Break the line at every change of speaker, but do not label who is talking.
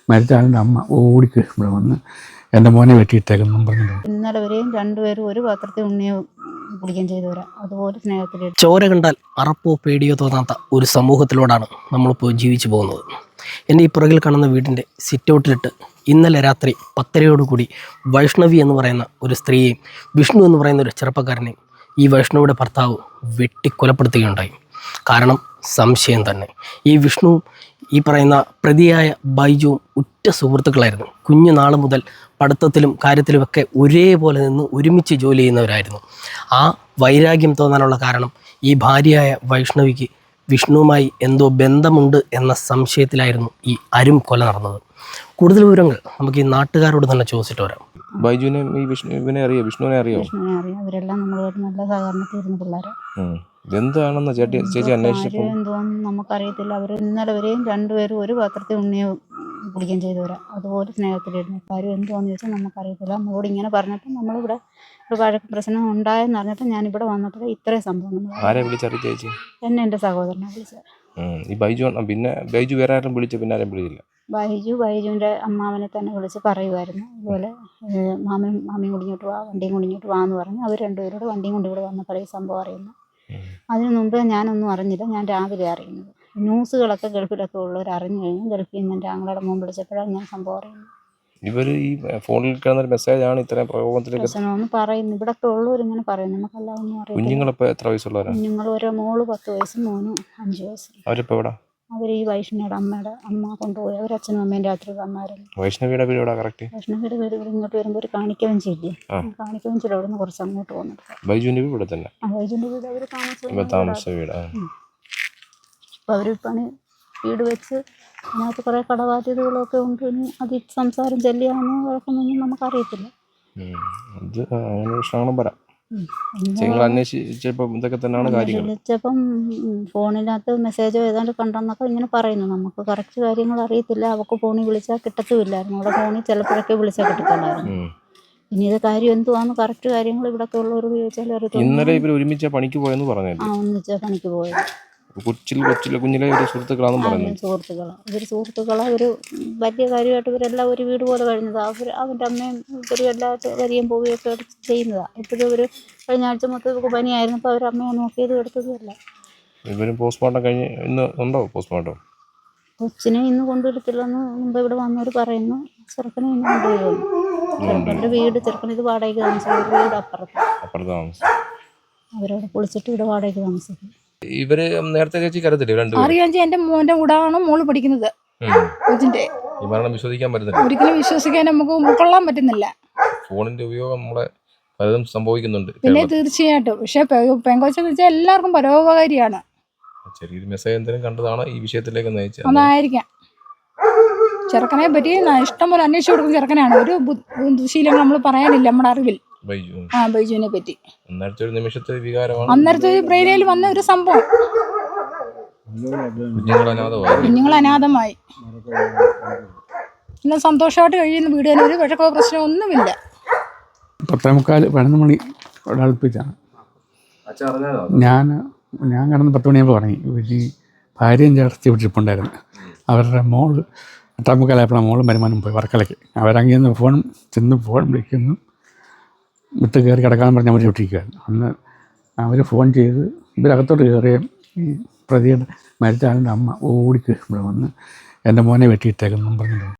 മരിച്ച ആളിൻ്റെ അമ്മ ഓടിക്ക് ഇവിടെ വന്ന് എൻ്റെ മോനെ വെട്ടിയിട്ടേക്കെന്നും പറഞ്ഞിട്ടുണ്ട്.
ഇന്നലെ വരെയും രണ്ടുപേരും ഒരു പാത്രത്തിൽ ഉണ്ണിയെ കുടിക്കുകയും ചെയ്തവരാ. അതുപോലെ സ്നേഹത്തിൽ
ചോര കണ്ടാൽ അറപ്പോ പേടിയോ തോന്നാത്ത ഒരു സമൂഹത്തിലൂടെയാണ് നമ്മളിപ്പോൾ ജീവിച്ചു പോകുന്നത്. എൻ്റെ ഈ പുറകിൽ കാണുന്ന വീടിൻ്റെ സിറ്റൗട്ടിലിട്ട് ഇന്നലെ രാത്രി 10:30 വൈഷ്ണവി എന്ന് പറയുന്ന ഒരു സ്ത്രീയെയും വിഷ്ണു എന്ന് പറയുന്ന ഒരു ചെറുപ്പക്കാരനെയും ഈ വൈഷ്ണവിയുടെ ഭർത്താവ് വെട്ടിക്കൊലപ്പെടുത്തുകയുണ്ടായി. കാരണം സംശയം തന്നെ. ഈ വിഷ്ണുവും ഈ പറയുന്ന പ്രതിയായ ബൈജുവും ഉറ്റ സുഹൃത്തുക്കളായിരുന്നു. കുഞ്ഞുനാൾ മുതൽ പഠിത്തത്തിലും കാര്യത്തിലുമൊക്കെ ഒരേപോലെ നിന്ന് ഒരുമിച്ച് ജോലി ചെയ്യുന്നവരായിരുന്നു. ആ വൈരാഗ്യം തോന്നാനുള്ള കാരണം ഈ ഭാര്യയായ വൈഷ്ണവിക്ക് വിഷ്ണുവുമായി എന്തോ ബന്ധമുണ്ട് എന്ന സംശയത്തിലായിരുന്നു ഈ അരും കൊല നടന്നത്. കൂടുതൽ വിവരങ്ങൾ നമുക്ക് ഈ നാട്ടുകാരോട് തന്നെ ചോദിച്ചിട്ട് വരാം.
ബൈജുവിനെ ഈ വിഷ്ണുവിനെ അറിയോ? വിഷ്ണുവിനെ അറിയോ?
അറിയാം. അവരെല്ലാം നമ്മളോട് നല്ല സഹകരണത്തിരുന്ന പിള്ളേരെ.
എന്താണെന്ന് ചേച്ചി അന്വേഷിച്ചപ്പോൾ
എന്തോന്നും നമുക്കറിയത്തില്ല. അവർ ഇന്നലെ വരെയും രണ്ടുപേരും ഒരു പാത്രത്തിൽ ഉണ്ണിയെ കുടിക്കുകയും ചെയ്തവരാ. അതുപോലെ സ്നേഹത്തിലിരുന്നു. കാര്യം എന്തുവാന്ന് ചോദിച്ചാൽ നമുക്കറിയത്തില്ല. നമ്മളോട് ഇങ്ങനെ പറഞ്ഞപ്പോൾ നമ്മളിവിടെ ഒരു വഴക്ക് പ്രശ്നം ഉണ്ടായെന്ന് അറിഞ്ഞിട്ട് ഞാനിവിടെ വന്നപ്പോൾ ഇത്രയും സംഭവം
ആരെ വിളിച്ചറിയിച്ച ചേച്ചി?
എന്നെ എൻ്റെ സഹോദരനെ വിളിച്ചത്.
ഈ ബൈജു പിന്നെ ബൈജു വേറെ ആരും വിളിച്ചു? പിന്നെ ആരും വിളിച്ചില്ല?
ബൈജുവിൻ്റെ അമ്മാവനെ തന്നെ വിളിച്ച് പറയുമായിരുന്നു. അതുപോലെ മാമിയും കൂടിഞ്ഞോട്ട് വാ, വണ്ടിയും കൂടിഞ്ഞോട്ട് വാ എന്ന് പറഞ്ഞ് അവർ രണ്ടുപേരോട് വണ്ടിയും കൊണ്ട് ഇവിടെ വന്നപ്പോൾ ഈ സംഭവം അറിയുന്നു. അതിനു മുമ്പ് ഞാനൊന്നും അറിഞ്ഞില്ല. ഞാൻ രാവിലെ അറിയുന്നത്. ന്യൂസുകളൊക്കെ ഗൾഫിലൊക്കെ ഉള്ളവർ അറിഞ്ഞു കഴിഞ്ഞു. ഗൾഫിൽ നിന്ന് എൻ്റെ ആങ്ങളുടെ മുമ്പ് വിളിച്ചപ്പോഴാണ് ഞാൻ സംഭവം അറിയുന്നത്.
ഇവർ ഈ ഫോണിൽ കിടന്നൊരു മെസ്സേജാണ് ഇത്രയും പ്രകോപനത്തിലേക്ക്
പ്രശ്നമെന്ന് പറയുന്നു. ഇവിടെയൊക്കെ ഉള്ളവർ ഇങ്ങനെ പറയുന്നു. നമുക്കെല്ലാം ഒന്നും അറിയാം.
കുഞ്ഞുങ്ങളിപ്പോൾ എത്ര വയസ്സുള്ളവരാണ്?
കുഞ്ഞുങ്ങൾ ഒരു മോള് 10 വയസ്സും മോനും 5 വയസ്സ്.
അവരിപ്പോൾ എവിടെ?
അവർ ഈ വൈഷ്ണവിയുടെ അമ്മ കൊണ്ടുപോയി. അവർ അച്ഛനും അമ്മയും രാത്രി വന്നായിരുന്നു.
വൈഷ്ണവിയുടെ വീട് എവിടെ കറക്റ്റ്?
വൈഷ്ണവിയുടെ വീട് ഇവിടെ ഇങ്ങോട്ട് വരുമ്പോൾ ഒരു കാണിക്കവഞ്ചില്ലേ, കാണിക്കവഞ്ചിയുടെ അവിടെ നിന്ന് കുറച്ച് അങ്ങോട്ട് വന്നിട്ട്.
ബൈജുവിൻ്റെ വീട് ഇവിടെ തന്നെ?
ബൈജുവിൻ്റെ വീട് അവർ
താമസ വീട്.
അപ്പോൾ അവർ പണി വീട് വെച്ച് അതിനകത്ത് കുറേ കടബാധ്യതകളൊക്കെ ഉണ്ട്. ഇനി അത് സംസാരം ചെല്ലിയാണെന്നോ കുഴപ്പമൊന്നും നമുക്കറിയത്തില്ല.
അത് അങ്ങനെ പ്രശ്നങ്ങളും വരാം. അന്വേഷിച്ചപ്പം ഇതൊക്കെ തന്നെയാണ് കാര്യങ്ങൾ.
വിളിച്ചപ്പം ഫോണിനകത്ത് മെസ്സേജോ ഏതാണ്ട് കണ്ടെന്നൊക്കെ ഇങ്ങനെ പറയുന്നു. നമുക്ക് കറക്റ്റ് കാര്യങ്ങൾ അറിയത്തില്ല. അവൾക്ക് ഫോണിൽ വിളിച്ചാൽ കിട്ടത്തുമില്ലായിരുന്നു. അവിടെ ഫോണിൽ ചിലപ്പോഴൊക്കെ വിളിച്ചാൽ കിട്ടത്തുള്ളായിരുന്നു. ഇനി ഇത് കാര്യം എന്തുവാന്ന് കറക്റ്റ് കാര്യങ്ങൾ ഇവിടെയൊക്കെ ഉള്ളവർ ചോദിച്ചാൽ അറിയത്തില്ല.
ഇന്നലെ ഇവർ ഒരുമിച്ച് പണിക്ക് പോയെന്ന് പറഞ്ഞു.
ഒന്നിച്ചാ പണിക്ക് പോയത്.
കുഞ്ഞിലെ ഒരു സുഹൃത്തുക്കളാണെന്ന് പറഞ്ഞു.
ഇവർ സുഹൃത്തുക്കളാണ്. ഒരു വലിയ കാര്യമായിട്ട് ഇവരെല്ലാം ഒരു വീട് പോലെ കഴിഞ്ഞതാണ്. അവൻ്റെ അമ്മയും ഇവരും എല്ലാ വരികയും പോവുകയൊക്കെ ചെയ്യുന്നതാണ്. എപ്പോഴും ഒരു കഴിഞ്ഞ ആഴ്ച മൊത്തം ഇവർക്ക് പനിയായിരുന്നപ്പോൾ അവർ അമ്മയെ നോക്കിയത് എടുത്തതുമല്ല.
ഇവരും പോസ്റ്റ്മോർട്ടം കഴിഞ്ഞ് ഇന്ന് ഉണ്ടോ പോസ്റ്റ്മോർട്ടം?
കൊച്ചിനെ ഇന്ന് കൊണ്ടുവരത്തില്ലെന്ന് മുമ്പ് ഇവിടെ വന്നവർ പറയുന്നു. ചെറുക്കനെ ഇന്ന് കൊണ്ടുവരുമെന്ന്. ചെറുക്കൻ്റെ വീട് ഇത് വാടകയ്ക്ക് താമസിക്കും. വീട് അപ്പുറത്ത് താമസിക്കും. അവരവിടെ പൊളിച്ചിട്ട് ഇവിടെ വാടകയ്ക്ക് താമസിക്കും.
ഇവര് നേരത്തെ ചേച്ചിക്ക് അറിയത്തില്ല?
അറിയാം. എന്റെ മോന്റെ കൂടാണ് മോള് പഠിക്കുന്നത്. കൊച്ചിന്റെ
ഈ മരണം വിശ്വസിക്കാൻ പറ്റുന്നില്ല.
ഒരിക്കലും വിശ്വസിക്കാൻ നമുക്ക് ഉൾക്കൊള്ളാൻ പറ്റുന്നില്ല.
ഫോണിന്റെ ഉപയോഗം നമ്മളെ പലതും സംഭവിക്കുന്നുണ്ട്.
പിന്നെ തീർച്ചയായിട്ടും. പക്ഷെ പെങ്കൊച്ചെന്ന് വെച്ചാൽ എല്ലാവർക്കും പരോപകാരിയാണ്.
ചെറിയൊരു മെസ്സേജ് എന്തെങ്കിലും കണ്ടതാണ് ഈ വിഷയത്തിലേക്ക് നയിച്ചത്.
അതായിരിക്കാം. ചെറുക്കനെ പറ്റി ഇഷ്ടംപോലെ അന്വേഷിച്ചു കൊടുക്കുന്ന ചെറുക്കനാണ്. ഒരു ദുശീലങ്ങൾ നമ്മൾ പറയാനില്ല നമ്മുടെ അറിവിൽ. ബൈജുവിനെ പറ്റി അന്നേരത്തെ ബ്രെയിനിൽ വന്ന ഒരു സംഭവം. കുഞ്ഞുങ്ങൾ അനാഥമായി. പിന്നെ സന്തോഷമായിട്ട് കഴിയുന്ന വീട് തന്നെ. ഒരു വഴക്കോ പ്രശ്നമോ ഒന്നുമില്ല.
10:45 മണി അടുപ്പിച്ചാണ് ഞാൻ കിടന്ന് 10 മണിയാകുമ്പോൾ പറഞ്ഞു. ഈ ഭാര്യയും ചേർത്തി വിട്ടിരിപ്പുണ്ടായിരുന്നു. അവരുടെ മോള് 8:45 മോളും വരുമാനം പോയി വർക്കലയ്ക്ക്. അവരങ്ങനെ ഫോൺ വിളിക്കുന്നു. വിട്ട് കയറി കിടക്കാൻ പറഞ്ഞ് അവർ വിട്ടിരിക്കുകയായിരുന്നു. അന്ന് അവർ ഫോൺ ചെയ്ത് ഇവരകത്തോട്ട് കയറുകയും ഈ പ്രതിയുടെ മരിച്ച ആളിൻ്റെ അമ്മ ഓടിക്ക് ഇവിടെ വന്ന് എൻ്റെ മോനെ വെട്ടിയിട്ടേക്കെന്നും പറഞ്ഞിട്ടുണ്ട്.